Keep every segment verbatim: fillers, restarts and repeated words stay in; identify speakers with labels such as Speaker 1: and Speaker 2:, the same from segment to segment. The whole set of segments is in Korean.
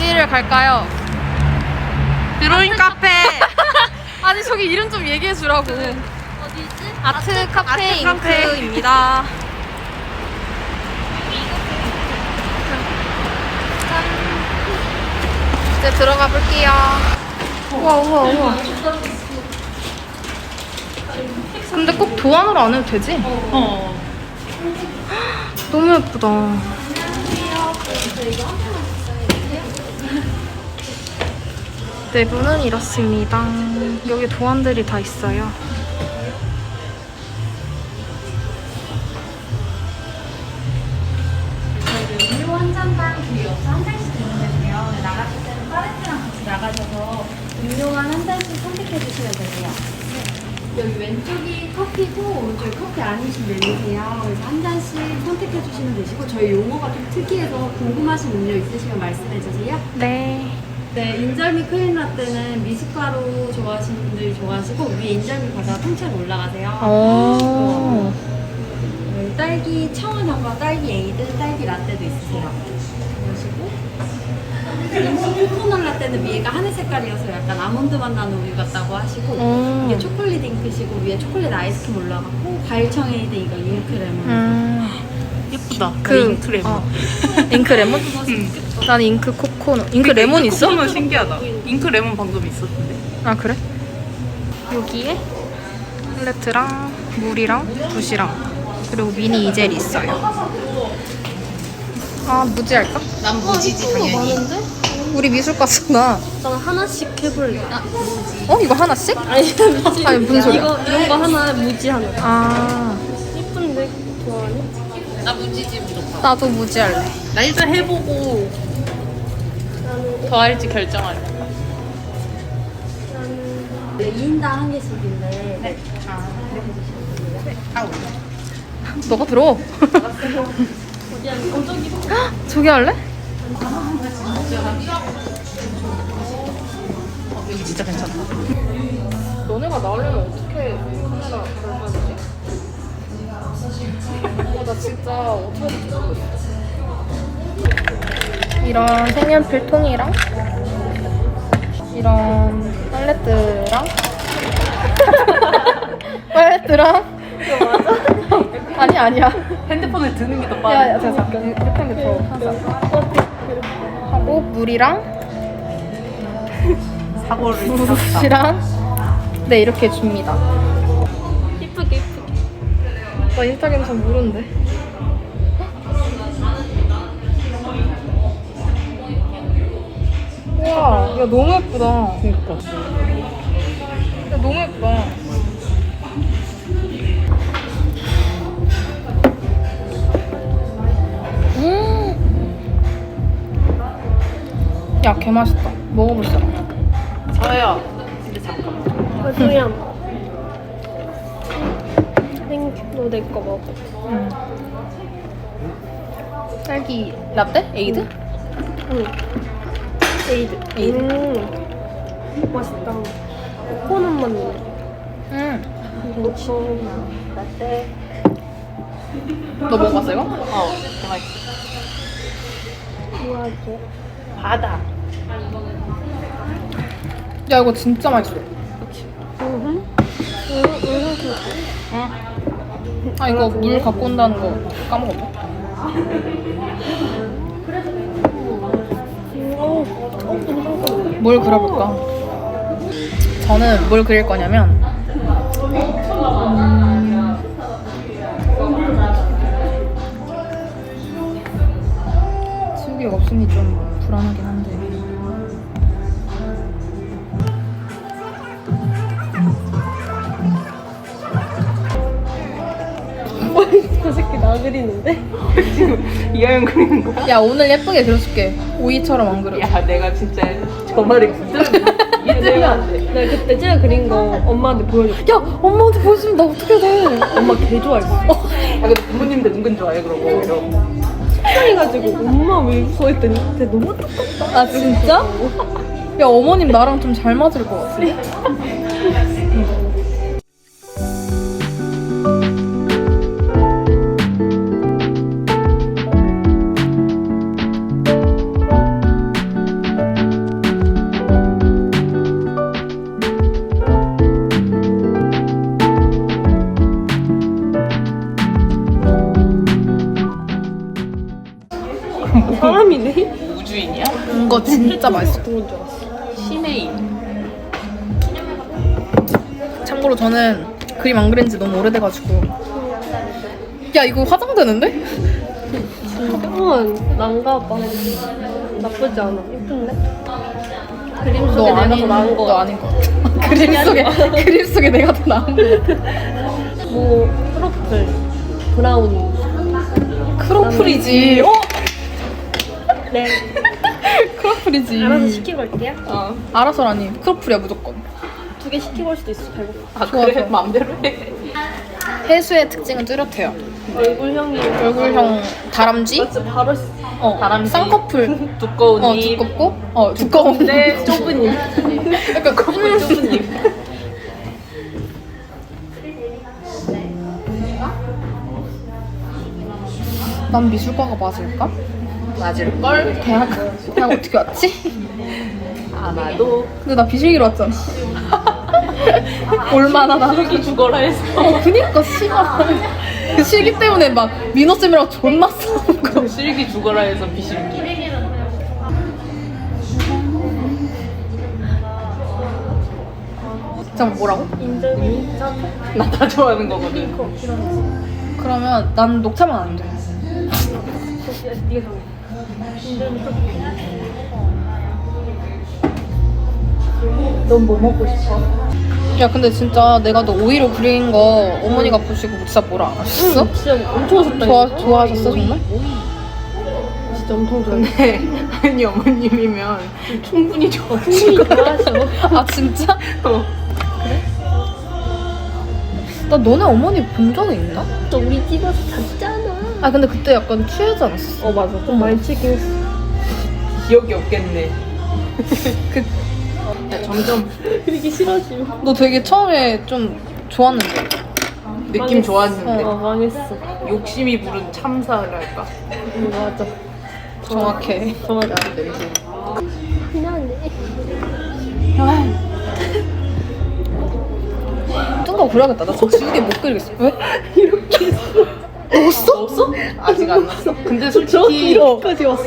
Speaker 1: 어디를 갈까요?
Speaker 2: 드로잉 카페.
Speaker 1: 아니 저기 이름 좀 얘기해 주라고.
Speaker 3: 어디지?
Speaker 1: 아트 카페
Speaker 2: 아트 카페.
Speaker 1: 잉크입니다. 이제 들어가 볼게요. 우와 우와 우와. 근데 꼭 도안으로 안 해도 되지?
Speaker 2: 어.
Speaker 1: 너무 예쁘다. 내부는 이렇습니다. 여기 도안들이 다 있어요.
Speaker 3: 음료 한 잔당 그 옆에 한 잔씩 드는데요. 나가실 때는 파레트랑 같이 나가셔서 음료만 한 잔씩 선택해 주시면 되세요. 여기 왼쪽이 커피고 오른쪽이 커피 아니신 메뉴세요. 그래서 한 잔씩 선택해 주시면 되시고 저희 용어가 좀 특이해서 궁금하신 음료 있으시면 말씀해 주세요.
Speaker 1: 네.
Speaker 3: 네, 인절미 크림 라떼는 미숫가루 좋아하시는 분들이 좋아하시고 위에 인절미 바다가 통째로 올라가세요.
Speaker 1: 오.
Speaker 3: 네, 딸기 청원향과 딸기 에이드, 딸기 라떼도 있으세요. 그러시고 이 코코넛 라떼는 위에가 하늘 색깔이어서 약간 아몬드 맛 나는 우유 같다고 하시고
Speaker 1: 오.
Speaker 3: 이게 초콜릿 잉크시고 위에 초콜릿 아이스크림 올라가고 과일청 에이드 이거 잉크 레몬.
Speaker 1: 음.
Speaker 2: 예쁘다.
Speaker 1: 그
Speaker 2: 잉크 레몬.
Speaker 1: 어. 잉크 레몬?
Speaker 2: 응.
Speaker 1: 난 잉크 코코넛. 잉크 레몬 있어?
Speaker 2: 코코넛 신기하다. 잉크 레몬 방금 있었는데.
Speaker 1: 아 그래? 여기에 팔레트랑 물이랑 붓이랑 그리고 미니 이젤이 있어요. 아 무지 할까?
Speaker 2: 난 무지지 당연히.
Speaker 1: 우리 미술과 쓰나?
Speaker 4: 난 하나씩 해볼래. 아,
Speaker 1: 어 이거 하나씩?
Speaker 4: 아니, 무지.
Speaker 1: 아니, 무슨 소리야?
Speaker 4: 이거, 이런 거 하나, 무지 하나.
Speaker 1: 아
Speaker 4: 예쁜데, 좋아하니?
Speaker 2: 나 무지지 무조건.
Speaker 1: 나도 무지 할래.
Speaker 2: 나 일단 해보고
Speaker 4: 나는,
Speaker 2: 더 할지 결정할래.
Speaker 4: 나는.
Speaker 3: 네, 이 인당 한 개씩인데 네.
Speaker 2: 아, 네. 아, 올려.
Speaker 1: 너가 들어.
Speaker 4: 어디 하니? 어, 저기.
Speaker 1: 저기 할래?
Speaker 2: 어, 여기 진짜 괜찮다.
Speaker 1: 너네가 나오려면 어떻게 카메라 걸어야 되지? 어, 나 진짜 어떻게 할지 모르겠어. 이런 색연필 통이랑 이런 팔레트랑 팔레트랑 이거 맞아? 아니 아니야.
Speaker 2: 핸드폰을 드는 게 더
Speaker 1: 야,
Speaker 2: 빠르.
Speaker 1: 야, 제가 잠깐 이렇게 하는 게 더 편하다. 하고 물이랑
Speaker 2: 사고를 쳤다.
Speaker 1: 붓이랑 네 이렇게 줍니다.
Speaker 4: 예쁘게, 예쁘게.
Speaker 1: 나 인스타그램 잘 모르는데. 우와, 야 너무 예쁘다.
Speaker 2: 그니까.
Speaker 1: 야 너무 예쁘다. 음. 야, 개 맛있다. 먹어볼 사람.
Speaker 2: 저요. 근데 잠깐만.
Speaker 4: 아, 조양. 땡큐. 너 내 거 먹어.
Speaker 1: 음. 딸기 라떼? 에이드?
Speaker 4: 응. 에이드.
Speaker 1: 에이드.
Speaker 4: 음. 맛있다. 코코넛 맛네.
Speaker 1: 응.
Speaker 4: 이거 처음. 라떼.
Speaker 1: 너 먹어봤어 이거?
Speaker 2: 어, 맛있어.
Speaker 4: 좋아하죠.
Speaker 2: 바다.
Speaker 1: 야 이거 진짜 맛있어.
Speaker 4: 응. 응, 응,
Speaker 1: 응. 아 이거 물 갖고 온다는 거 까먹었네. 뭘 그려볼까? 저는 뭘 그릴 거냐면 음... 지우개가 없으니 좀 불안하긴 한데
Speaker 4: 저 새끼 나 그리는데?
Speaker 2: 지금 이하연 그리는 거야?
Speaker 1: 야 오늘 예쁘게 그려줄게. 오이처럼 안 그려.
Speaker 2: 야, 내가 진짜 저 말에 진짜 이해되면 안 돼.
Speaker 4: 내가 그때 제가 그린 거 엄마한테 보여줬어.
Speaker 1: 야 엄마한테 보여주면 나 어떻게 돼?
Speaker 4: 엄마 개 좋아했어.
Speaker 2: 아, 근데 부모님들 은근 좋아해, 그러고. 이러고.
Speaker 4: 속상해가지고 엄마 왜 웃어 했더니 근데 너무 똑같다.
Speaker 1: 아 진짜? 야 어머님 나랑 좀 잘 맞을 것 같아.
Speaker 2: 주인이야?
Speaker 1: 이거 진짜 맛있어.
Speaker 4: 그런 줄 알았어.
Speaker 2: 신혜인.
Speaker 1: 참고로 저는 그림 안 그린 지 너무 오래돼가지고. 야, 이거 화장되는데?
Speaker 4: 진짜 난가 봐. 나쁘지 않아. 예쁜데? 그림
Speaker 1: 너
Speaker 4: 속에 내가
Speaker 1: 아닌,
Speaker 4: 더 나은 거
Speaker 1: 너
Speaker 4: 같아.
Speaker 1: 아닌 것 같아. 그림 속에, 그림 속에 내가 더 나은 것 같아.
Speaker 4: 뭐 트러플, 브라우니.
Speaker 1: 크로플이지. 어?
Speaker 4: 네.
Speaker 1: 크로플이지.
Speaker 4: 알아서 시키고 올게요.
Speaker 2: 어.
Speaker 1: 알아서라니. 크로플이야, 무조건.
Speaker 4: 두 개 시키고 올 수도 있어. 배고파.
Speaker 2: 아
Speaker 1: 좋아,
Speaker 2: 그래?
Speaker 1: 좋아.
Speaker 2: 마음대로 해.
Speaker 1: 해수의 특징은 뚜렷해요.
Speaker 4: 얼굴형이
Speaker 1: 얼굴형 다람쥐?
Speaker 4: 맞지? 바로
Speaker 1: 어,
Speaker 2: 다람쥐.
Speaker 1: 쌍꺼풀.
Speaker 2: 두꺼운
Speaker 1: 어,
Speaker 2: 입.
Speaker 1: 두껍고? 어, 두꺼운데.
Speaker 2: 네, 좁은 입.
Speaker 1: 약간
Speaker 2: 좁은 좁은 입.
Speaker 1: 난 미술과가 맞을까?
Speaker 2: 맞을걸?
Speaker 1: 대학, 대학 어떻게 왔지?
Speaker 2: 아마도
Speaker 1: 근데 나 비실기로 왔잖아. 얼마나 나.
Speaker 2: 여기 죽어라 해서.
Speaker 1: 어, 그니까, 씨발. 그 실기 때문에 막 민호쌤이랑 존나 싸운 거.
Speaker 2: 실기 죽어라 해서 비실기.
Speaker 1: 잠깐 뭐라고?
Speaker 4: 인절미.
Speaker 2: 나 다 좋아하는 거거든.
Speaker 1: 그러면 난 녹차만 안 돼.
Speaker 4: 네가 정해. 인절미 토핑. 넌 뭐 먹고 싶어?
Speaker 1: 야, 근데 진짜 내가 너 오이로 그린 거 어머니가 보시고 진짜 뭐라 안 하셨어?
Speaker 4: 응, 진짜 엄청 하셨다.
Speaker 1: 좋아, 좋아하셨어, 정말?
Speaker 4: 진짜 엄청 좋아해.
Speaker 2: 근데 아니 어머님이면 충분히 좋아.
Speaker 4: 충분히 좋아하셔.
Speaker 1: 아, 진짜?
Speaker 2: 어.
Speaker 1: 나 너네 어머니 본 적이 있나?
Speaker 4: 또 우리 집에서 잤잖아.
Speaker 1: 아, 근데 그때 약간 취하지 않았어?
Speaker 4: 어 맞아. 좀 많이 치긴 했어.
Speaker 2: 기억이 없겠네.
Speaker 1: 그,
Speaker 2: 야, 점점
Speaker 4: 그리기 싫어지고.
Speaker 1: 너 되게 처음에 좀 좋았는데.
Speaker 2: 느낌
Speaker 4: 망했어.
Speaker 2: 좋았는데
Speaker 4: 어 망했어.
Speaker 2: 욕심이 부른 참사랄까.
Speaker 4: 응, 맞아.
Speaker 1: 정확해.
Speaker 4: 정확해.
Speaker 2: 냄새.
Speaker 4: 미안해.
Speaker 1: 뜬거 그려야겠다. 나 저 지우개 못 그리겠어. 왜? 이렇게 했어. 넣었어?
Speaker 2: 없어? 아직 안 났어? 근데
Speaker 4: 저
Speaker 2: 솔직히
Speaker 4: 이렇게까지 왔어.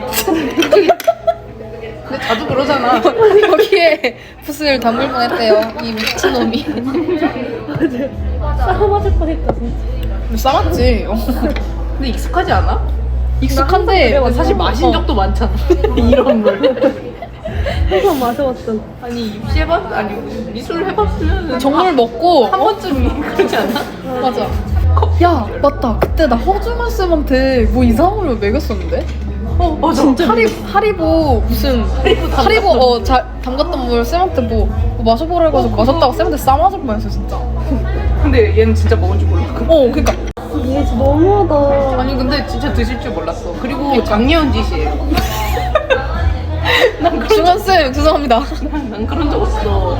Speaker 2: 근데 자주 그러잖아.
Speaker 1: 여기에 붓을 담을 뻔했대요. 이 미친놈이.
Speaker 4: 맞아. 싸움 맞을 뻔했다 진짜.
Speaker 1: 싸맞지.
Speaker 2: 근데 익숙하지 않아?
Speaker 1: 익숙한데
Speaker 4: 그래,
Speaker 2: 사실 마신
Speaker 1: 어.
Speaker 2: 적도 많잖아. 이런 물.
Speaker 4: 항상 마셔왔던.
Speaker 2: 아니 입시 해봤 아니 미술 해봤으면
Speaker 1: 정물 먹고
Speaker 2: 한 번쯤 그러지 않아?
Speaker 1: 맞아. 야, 맞다. 그때 나 허준만 쌤한테 뭐 이상한 걸 먹였었는데?
Speaker 2: 어 맞아.
Speaker 1: 진짜 하리, 하리보 무슨 하리보 어 자, 담갔던 물 쌤한테 뭐, 뭐 마셔보라 해가지고 마셨다가 쌤한테 싸맞을 뻔했어 진짜.
Speaker 2: 근데 얘는 진짜 먹은 줄 몰라.
Speaker 1: 어, 그니까.
Speaker 4: 이게 진짜 너무하다.
Speaker 2: 아니 근데 진짜 드실 줄 몰랐어. 그리고 작년 짓이에요. 난 그런
Speaker 1: 중원 쌤 죄송합니다.
Speaker 2: 난, 난 그런 적 없어.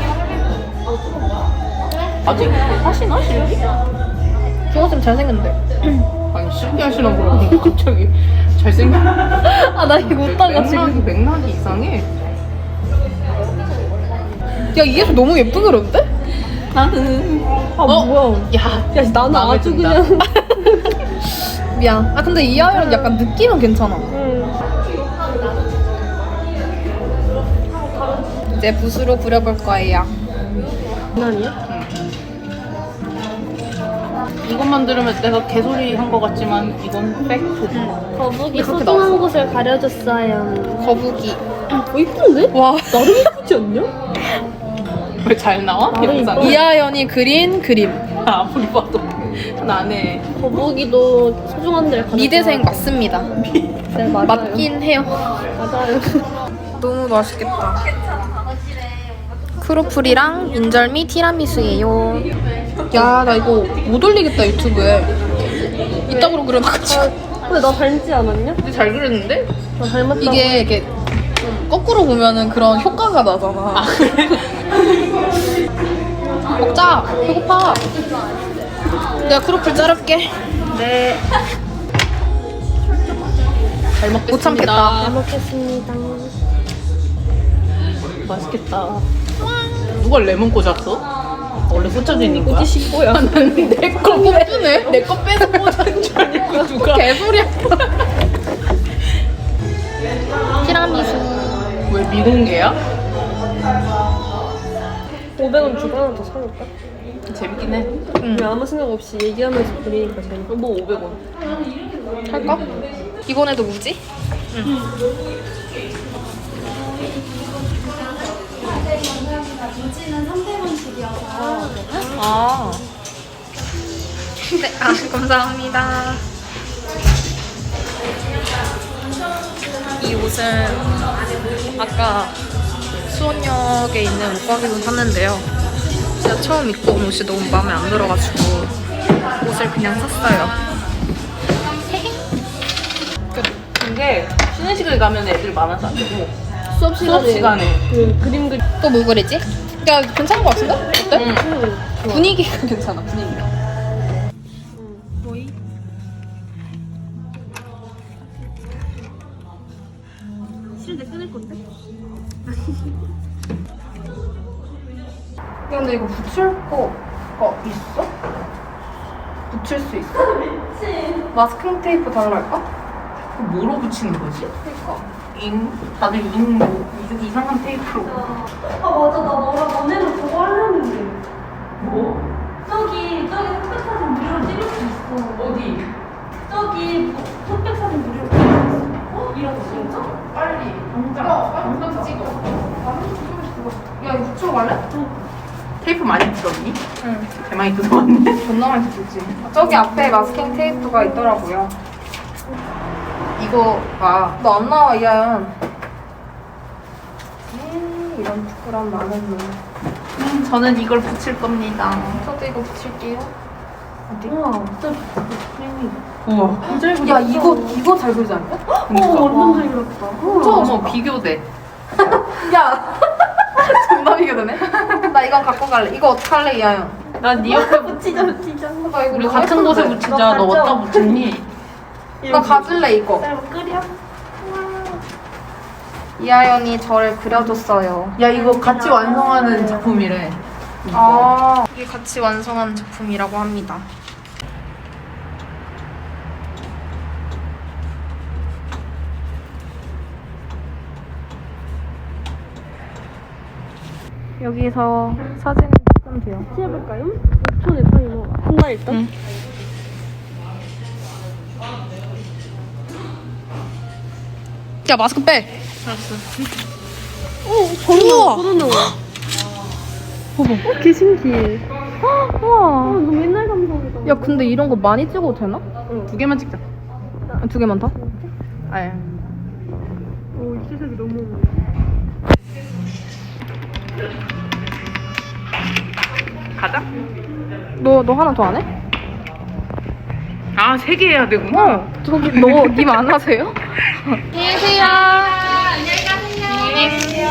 Speaker 2: 아직 하시나 실기?
Speaker 1: 중원 쌤 잘생겼는데.
Speaker 2: 아니 실기 하시나 보라고 갑자기 잘생긴.
Speaker 1: 아, 나 이거 웃다가
Speaker 2: 맥락이
Speaker 1: 지금.
Speaker 2: 맥락이 이상해.
Speaker 1: 야, 이게 너무 예쁘게 그렸는데?
Speaker 2: 나는
Speaker 4: 아
Speaker 1: 어?
Speaker 4: 뭐야?
Speaker 2: 야,
Speaker 4: 야 나는
Speaker 2: 마음에
Speaker 4: 아주
Speaker 2: 든다.
Speaker 4: 그냥.
Speaker 1: 미안. 아, 근데 이 아이는 약간 느낌은 괜찮아.
Speaker 4: 응.
Speaker 1: 이제 붓으로 그려볼 거예요.
Speaker 4: 장난이야?
Speaker 2: 이것만 들으면 내가 개소리 한 것 같지만 이건 팩트.
Speaker 4: 거북이
Speaker 1: 그렇게
Speaker 4: 소중한
Speaker 1: 나왔어.
Speaker 4: 곳을 가려줬어요.
Speaker 1: 거북이.
Speaker 4: 어 이쁜데?
Speaker 1: 와.
Speaker 4: 나름 이쁘지 않냐?
Speaker 2: 왜 잘 나와?
Speaker 4: 나는
Speaker 2: 영상이?
Speaker 4: 이뻐.
Speaker 1: 이하연이 그린 그림.
Speaker 2: 아, 아무리 봐도 나네.
Speaker 4: 거북이도 소중한 데를 가려.
Speaker 1: 미대생 맞습니다.
Speaker 4: 네 맞아요.
Speaker 1: 맞긴 해요.
Speaker 4: 맞아요.
Speaker 1: 너무 맛있겠다. 크로플이랑 인절미 티라미수예요. 야, 나 이거 못 올리겠다 유튜브에. 이따구로 그려놔가지고.
Speaker 4: 근데 나 닮지 않았냐?
Speaker 2: 근데 잘 그렸는데?
Speaker 4: 나 닮았다고.
Speaker 1: 이게 이렇게 거꾸로 보면은 그런 효과가 나잖아. 먹자. 배고파. 내가 크로플 자를게.
Speaker 2: 네. 잘 먹겠습니다.
Speaker 1: 못 참겠다.
Speaker 4: 잘 먹겠습니다.
Speaker 2: 맛있겠다. 누가 레몬 꽂았어? 원래 꽂혀져 있는 거야?
Speaker 4: 꼬지신 거야.
Speaker 1: 내거 빼주네.
Speaker 2: 내 거 빼서 꽂은 줄 알고 누가?
Speaker 1: 개소리야. 티라미수 티라미수.
Speaker 2: 왜 미공개야?
Speaker 4: 오백 원 주고 하나 더 사볼까?
Speaker 2: 재밌긴 해.
Speaker 1: 응.
Speaker 4: 그냥 아무 생각 없이 얘기하면서 그리니까 재밌어.
Speaker 2: 뭐 오백 원.
Speaker 1: 할까? 이번에도 무지?
Speaker 3: 무지는 삼백 원씩이어서
Speaker 1: 아. 네, 아, 감사합니다. 이 옷은 아까 수원역에 있는 옷가게에서 샀는데요. 제가 처음 입고 온 옷이 너무 마음에 안 들어가지고 옷을 그냥 샀어요.
Speaker 2: 근데 쉬는 시간에 가면 애들 많아서 안 되고
Speaker 4: 수업 시간에,
Speaker 2: 수업 시간에.
Speaker 4: 그 그림 그리.
Speaker 1: 또 뭐 그리지? 야, 괜찮은 것 같은데? 어때?
Speaker 2: 응.
Speaker 4: 응.
Speaker 1: 분위기가 괜찮아, 분위기가.
Speaker 4: 싫은데 끊을 건데?
Speaker 1: 야, 근데 이거 붙일 거가 있어? 붙일 수 있어? 마스킹 테이프 달랄까?
Speaker 2: 뭐로 붙이는 거지?
Speaker 1: 그니까.
Speaker 2: 잉? 다들 잉 뭐, 이상한 테이프로.
Speaker 3: 아 맞아 나 너랑 너네는 그거 하려는데
Speaker 2: 뭐?
Speaker 3: 저기 저기 흑백사진 무료로 찍을 수 있어
Speaker 2: 어디?
Speaker 3: 저기 흑백사진 무료로 찍을 수 있어 어? 이런 거 진짜?
Speaker 2: 빨리 당장 당장 찍어.
Speaker 1: 야, 이거 붙이러 갈래?
Speaker 2: 테이프 많이 뜯었니?
Speaker 1: 응.
Speaker 2: 개 많이 뜯어왔네.
Speaker 1: 존나 많이 붙였지. 저기 앞에 마스킹 테이프가 있더라고요. 이거가 너 안 나와, 이하연. 에이, 이런 부끄러운 많은 놈.
Speaker 2: 음, 저는 이걸 붙일 겁니다.
Speaker 1: 저도 이거 붙일게요. 어디?
Speaker 4: 우와, 진짜
Speaker 2: 우와.
Speaker 4: 진짜
Speaker 1: 야, 이거 이거 잘 그리지 않냐?
Speaker 2: 그러니까.
Speaker 4: 어, 완전 잘 그렸다.
Speaker 2: 어머, 어머 비교돼.
Speaker 1: 야, 존나 비교되네. 나 이건 갖고 갈래. 이거 어떡할래, 이하연?
Speaker 2: 난 네 옆에 붙.
Speaker 4: 붙이자, 붙이자.
Speaker 1: 나 이거
Speaker 2: 우리
Speaker 1: 너무
Speaker 2: 같은
Speaker 1: 예쁜데.
Speaker 2: 곳에 붙이자. 너
Speaker 4: 너
Speaker 2: 어디다
Speaker 4: 가져.
Speaker 2: 붙였니?
Speaker 1: 나 가질래, 이거.
Speaker 4: 쌀 끓여?
Speaker 1: 이하연이 저를 그려줬어요.
Speaker 2: 야 이거 같이 완성하는 작품이래.
Speaker 1: 아, 이게 같이 완성한 작품이라고 합니다. 여기서 사진 찍으면 돼요.
Speaker 4: 해볼까요? 오 초 내 타이머. 한다 일단.
Speaker 1: 응. 야, 마스크 빼.
Speaker 4: 어, 바로
Speaker 1: 우와.
Speaker 4: 나와, 바로 나와.
Speaker 1: 봐봐.
Speaker 4: 어, 개 신기해. 어,
Speaker 1: 우와.
Speaker 4: 너무 옛날 감성이다.
Speaker 1: 야, 근데 이런 거 많이 찍어도 되나?
Speaker 2: 두 개만 찍자.
Speaker 1: 두 개만 더?
Speaker 2: 아예.
Speaker 4: 오, 이 세상이 너무.
Speaker 2: 가자.
Speaker 1: 너, 너 하나 더 안 해?
Speaker 2: 아 세 개 해야 되구나.
Speaker 1: 어, 저기 너, 님 안 하세요? 안녕히 계세요. 안녕히 가세요. 안녕히 계세요.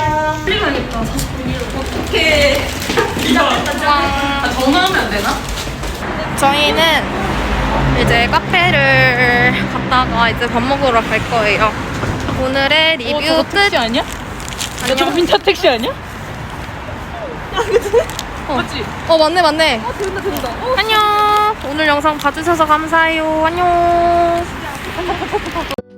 Speaker 2: 어떡해. 아, 전화하면 안 되나?
Speaker 1: 저희는 이제 카페를 갔다가 이제 밥 먹으러 갈 거예요. 오늘의 리뷰
Speaker 2: 어, 저거
Speaker 1: 끝.
Speaker 2: 택시 아니야? 야 저거 빈타 택시 아니야?
Speaker 1: 어.
Speaker 2: 맞지?
Speaker 1: 어, 맞네, 맞네.
Speaker 4: 아, 된다, 된다. 어.
Speaker 1: 안녕. 오늘 영상 봐주셔서 감사해요. 안녕.